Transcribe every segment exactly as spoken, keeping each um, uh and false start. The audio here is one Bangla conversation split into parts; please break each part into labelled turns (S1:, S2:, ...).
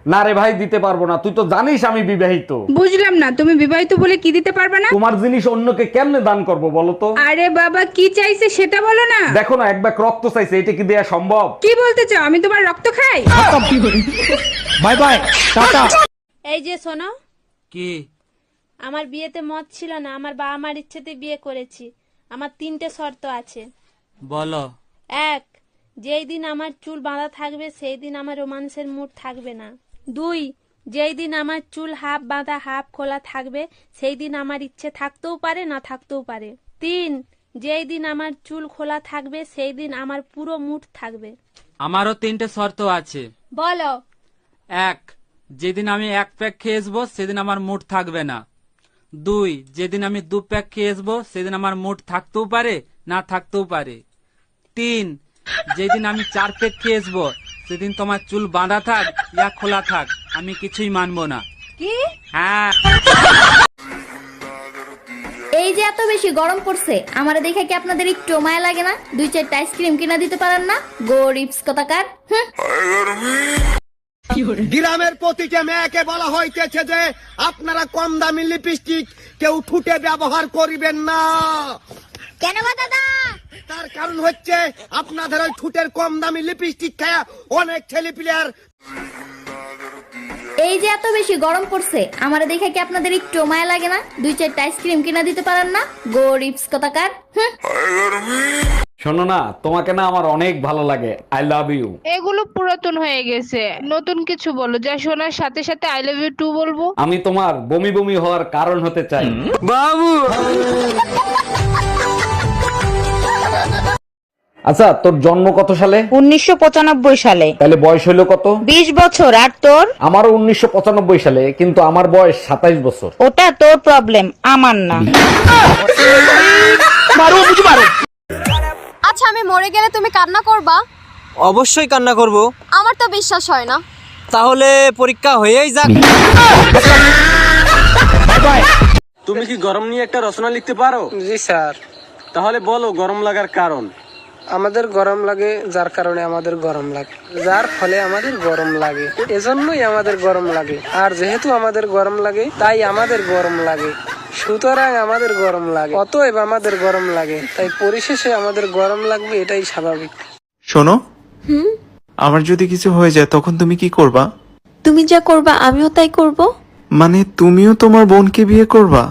S1: না রে ভাই, দিতে পারবো না। তুই তো জানিস আমি বিবাহিত।
S2: বুঝলাম না, তুমি বিবাহিত বলে কি দিতে পারবে না?
S1: তোমার জিনিস অন্যকে কেমনে দান করব বলো তো?
S2: আরে বাবা, কি চাইছে সেটা বলো না।
S1: দেখো না, এক ব্যাগ রক্ত চাইছে, এটা কি দেয়া সম্ভব?
S2: কি বলতে চাও, আমি তোমার রক্ত খাই?
S1: Bye bye, tata.
S3: এই যে শোনো,
S4: কি?
S3: আমার বিয়েতে মত ছিল না, আমার বাবা মার ইচ্ছেতে বিয়ে করেছি। আমার তিনটে শর্ত আছে।
S4: বলো।
S3: এক, যেই দিন আমার চুল বাঁধা থাকবে সেই দিন আমার রোমান্সের মুড থাকবে না। দুই, যেই দিন আমার চুল হাফ বাঁধা হাফ খোলা থাকবে সেই দিন আমার ইচ্ছে থাকতেও পারে না থাকতেও পারে। তিন, যেই দিন আমার চুল খোলা থাকবে সেই দিন আমার পুরো মুড থাকবে।
S4: আমারও তিনটে শর্ত আছে।
S3: বলো।
S4: এক, যেদিন আমি এক প্যাক খেয়ে আসবো সেদিন আমার মুড থাকবে না। দুই, যেদিন আমি দু প্যাক খেয়ে আসবো সেদিন আমার মুড থাকতেও পারে না থাকতেও পারে। তিন, যেদিন আমি চার প্যাক খেয়ে আসবো সেদিন তোমার চুল বাঁধা থাক ইয়া খোলা থাক আমি কিছুই মানবো না।
S3: কি?
S4: হ্যাঁ।
S5: এই যে এত বেশি গরম পড়ছে, আমার দেখে কি আপনাদের একটু মায়া লাগে না? দুই চারটা আইসক্রিম কিনা দিতে পারেন না? গরিবস কথাকার। হুঁ।
S6: গ্রামের প্রতিটা মেয়েকে বলা হইতেছে যে আপনারা কম দামি লিপস্টিক কেউ ঠুটে ব্যবহার করিবেন না।
S5: কেন গো দাদা?
S6: তার কারণ হচ্ছে আপনাদের ওই ঠুটের কম দামি লিপস্টিক খায়া অনেক ছেলে প্লেয়ার।
S5: এই যে এত বেশি গরম পড়ছে, আমার দেখে কি আপনাদের একটু মায়া লাগে না? দুই চারটা আইসক্রিম কিনা দিতে পারেন না? গরিবস কথাকার। হুঁ।
S1: শোনো না, তোমাকে না আমার অনেক ভালো লাগে। I love you.
S2: এগুলো পুরাতন হয়ে গেছে, নতুন কিছু বলো যা শোনার সাথে সাথে আই লাভ ইউ টু বলবো।
S1: আমি তোমার বমি বমি হওয়ার কারণ হতে চাই।
S4: বাবু।
S1: আচ্ছা, তোর জন্ম কত সালে?
S7: উনিশশো পঁচানব্বই সালে।
S1: তাহলে বয়স হলো কত?
S7: বিশ বছর। আর তোর?
S1: আমারও উনিশশো পঁচানব্বই সালে, কিন্তু আমার বয়স সাতাইশ বছর।
S7: ওটা তোর প্রবলেম, আমার না।
S8: আচ্ছা, আমি মরে গেলে তুমি কান্না করবা?
S9: অবশ্যই কান্না করব।
S8: আমার তো বিশ্বাস হয় না।
S9: তাহলে পরীক্ষা হয়েই যাক।
S10: তুমি কি গরম নিয়ে একটা রচনা লিখতে পারো?
S9: জি স্যার।
S10: তাহলে বলো গরম লাগার কারণ।
S9: আমাদের গরম লাগে যার কারণে আমাদের গরম লাগে, যার ফলে আমাদের গরম লাগে, এজন্যই আমাদের গরম লাগে। আর যেহেতু আমাদের গরম লাগে তাই আমাদের গরম লাগে, সুতরাং আমাদের গরম লাগে, অতএব আমাদের গরম লাগে, তাই পরিশেষে আমাদের গরম লাগবে, এটাই স্বাভাবিক।
S11: শোনো, আমার যদি কিছু হয়ে যায় তখন তুমি কি করবা?
S8: তুমি যা করবা আমিও তাই করব।
S11: মানে তুমিও তোমার বোনকে বিয়ে করবা?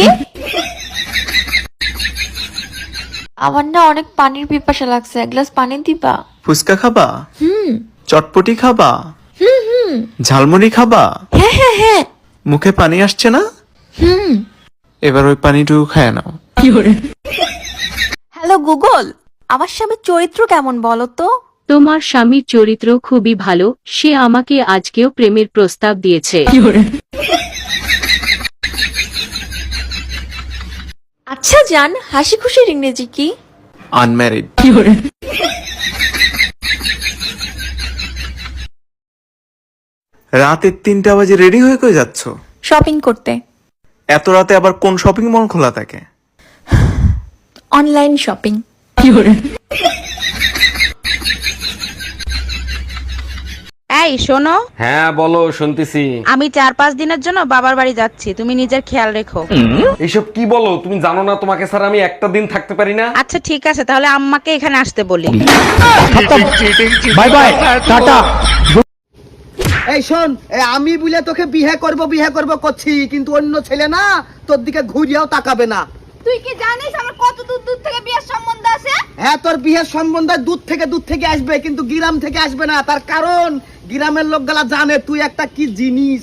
S8: আমার না অনেক পানির পিপাসা লাগছে, এক গ্লাস পানি দিবা?
S11: ফুচকা খাবা?
S8: হুম।
S11: চটপটি খাবা?
S8: হুম হুম।
S11: ঝালমুড়ি খাবা?
S8: হ্যাঁ হ্যাঁ হ্যাঁ।
S11: মুখে পানি আসছে না?
S8: হুম।
S11: এবার ওই পানিটুকু খায় নাও।
S8: হ্যালো গুগল, আমার স্বামীর চরিত্র কেমন বলো তো?
S12: তোমার স্বামীর চরিত্র খুবই ভালো, সে আমাকে আজকেও প্রেমের প্রস্তাব দিয়েছে।
S8: আচ্ছা জান, হাসি খুশির ইংরেজি কি?
S11: আনম্যারিড। রাতে তিনটা বাজে রেডি হয়ে কই যাচ্ছ?
S8: শপিং করতে।
S11: এত রাতে আবার কোন শপিং মল খোলা থাকে?
S8: Online shopping.
S7: এই শোনো।
S1: হ্যাঁ বলো, শুনতেছি।
S7: আমি চার পাঁচ দিনের জন্য বাবার বাড়ি যাচ্ছি, তুমি নিজের খেয়াল রেখো।
S1: এইসব কি বলো? তুমি জানো না তোমাকে ছাড়া আমি একটা দিন থাকতে পারি না?
S7: আচ্ছা ঠিক আছে, তাহলে আম্মাকে এখানে আসতে বলি।
S1: Bye bye, tata.
S6: এই শোন, এই আমি বলে তোকে বিয়ে করব বিয়ে করব করছি, কিন্তু অন্য ছেলে না তোর দিকে ঘুরিয়াও তাকাবে না।
S5: তুই কি জানিস আমার কত দূর দূর থেকে বিয়ের সম্বন্ধ আছে?
S6: হ্যাঁ, তোর বিয়ের সম্বন্ধ দূর থেকে দূর থেকে আসবে, কিন্তু গ্রাম থেকে আসবে না। তার কারণ গ্রামের লোকগুলা জানে তুই একটা কি জিনিস।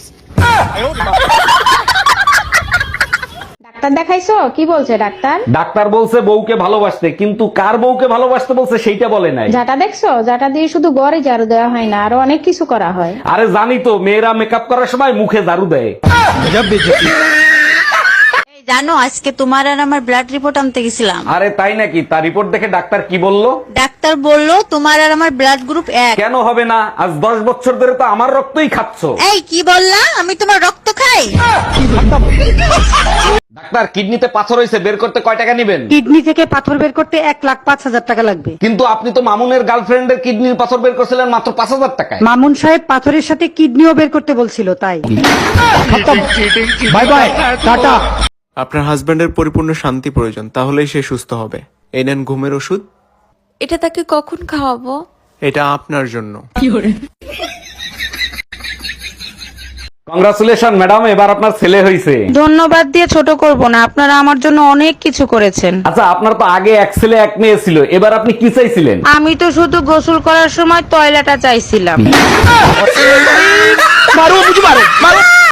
S2: ডাক্তার দেখাইছো? কি বলছে ডাক্তার?
S1: ডাক্তার বলছে বউকে ভালোবাসতে, কিন্তু কার বউকে ভালোবাসতে বলছে সেইটা বলে নাই।
S2: যাটা দেখছো, যাটা দিয়ে শুধু গড়ে ঝাড়ু দেওয়া হয় না, আরো অনেক কিছু করা হয়।
S1: আরে জানি তো, মেয়েরা মেকআপ করার সময় মুখে ঝাড়ু দেয়।
S7: জানো আজকে তোমার আর আমার ব্লাড রিপোর্ট আনতে গেছিলাম।
S1: আরে তাই নাকি? তার রিপোর্ট দেখে ডাক্তার কি বললো?
S7: ডাক্তার বলল তোমার আর আমার ব্লাড গ্রুপ এক।
S1: কেন হবে না? আজ দশ বছর ধরে তো আমার রক্তই খাচ্ছ।
S7: এই কি বললা? আমি তোমার রক্ত খাই?
S1: ডাক্তার, কিডনিতে পাথর হয়েছে, বের করতে কয় টাকা নেবেন?
S6: কিডনি থেকে পাথর বের করতে এক লাখ পাঁচ হাজার টাকা লাগবে।
S1: কিন্তু আপনি তো মামুনের গার্লফ্রেন্ডের কিডনির পাথর বের করছিলেন মাত্র পাঁচ হাজার টাকায়।
S6: মামুন সাহেব পাথরের সাথে কিডনিও বের করতে বলছিল তাই। Bye bye, tata.
S11: আপনার হাজবেন্ডের পরিপূর্ণ শান্তি প্রয়োজন, তাহলেই সে সুস্থ হবে। এই নেন ঘুমের ওষুধ।
S8: এটা তাকে কখন খাওয়াবো?
S11: এটা আপনার জন্য।
S1: কংগ্রাচুলেশন ম্যাডাম, এবার আপনার ছেলে হয়েছে।
S7: ধন্যবাদ দিয়ে ছোট করব না, আপনারা আমার জন্য অনেক কিছু করেছেন।
S1: আচ্ছা, আপনার তো আগে এক ছেলে এক মেয়ে ছিল, এবার আপনি কি চাইছিলেন?
S7: আমি তো শুধু গোসল করার সময় টয়লেটটা চাইছিলাম।